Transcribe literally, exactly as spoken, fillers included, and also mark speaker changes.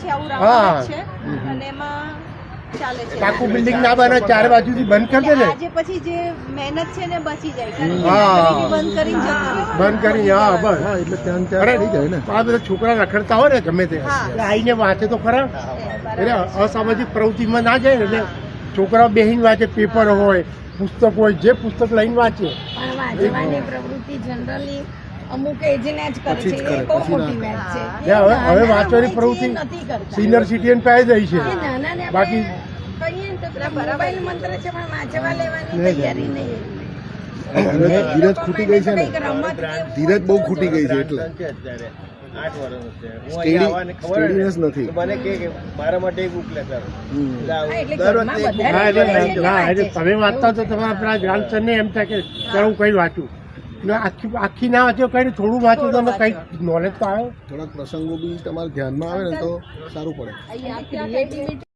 Speaker 1: પછી આવું રાઉન્ડ છે અને એમાં ચાલે છે
Speaker 2: આખું બિલ્ડિંગ ના બને ચાર બાજુથી બંધ કરી દે ને
Speaker 1: આજે પછી જે મહેનત છે ને બચી જાય કારણ કે
Speaker 2: હા.
Speaker 1: લાકડી બંધ કરીને જતું
Speaker 2: બંધ કરી હા બસ
Speaker 3: હા એટલે ત્યાં ત્યાં થઈ જાય ને
Speaker 2: આ બધા છોકરા રખડતા હોય ને ગમે તે
Speaker 1: હા.
Speaker 2: એટલે આઈને વાંચે તો ખરા
Speaker 1: બરાબર
Speaker 2: એટલે અસામાજિક પ્રવૃત્તિમાં ના જાય ને એટલે છોકરાઓ બેહીને વાંચે પેપર હોય પુસ્તક હોય જે પુસ્તક લઈને વાંચે
Speaker 4: પણ વાંચવાની પ્રવૃત્તિ જનરલી અમુક એજને જ કરે
Speaker 3: પછી
Speaker 4: છે
Speaker 3: જ કરે,
Speaker 4: એ બહુ
Speaker 3: પછી ના
Speaker 4: મોટી વાત છે
Speaker 2: એટલે હવે હવે વાંચવાની પ્રવૃત્તિ
Speaker 4: નથી કરતા
Speaker 2: સિનિયર સિટીઝન પાસે જાય છે
Speaker 4: એ નાનાને
Speaker 2: બાકી
Speaker 4: આપણે કહીએ ને તો પેલા મોબાઈલ મંત્ર છે પણ વાંચવા લેવાની તૈયારી નહીં
Speaker 3: ધીરજ ધીરજ ખૂટી ગઈ છે ને
Speaker 4: કંઈક રમત કે
Speaker 3: ધીરજ બહુ ખૂટી ગઈ છે એટલે
Speaker 5: આઠ વર્ષ છે હું
Speaker 3: Steady-
Speaker 5: અહીં આવવાની ખબર
Speaker 3: steadiness નથી.
Speaker 5: તો મને કે કે મારા માટે એક બુક લેતા રહો.
Speaker 3: હમ.
Speaker 5: એટલે આવું
Speaker 4: હા, એટલે
Speaker 5: દર
Speaker 4: ઘરમાં
Speaker 5: વખતે એક
Speaker 4: બધા
Speaker 2: હા એટલે
Speaker 4: વાંચે છે,
Speaker 2: હા એટલે
Speaker 4: વાંચે છે.
Speaker 2: તમે વાંચતા તો તમે આપણા ગ્રામસરને એમ થાય કે ચાલ હું કઈ વાંચું ને આખી આખી ના વાંચો કઈ થોડું વાંચો તો તમને કઈક નોલેજ તો આવે
Speaker 3: થોડાક પ્રસંગો બી તમારા ધ્યાનમાં આવે ને તો સારું પડે
Speaker 4: અહીંયા ક્રિએટિવિટી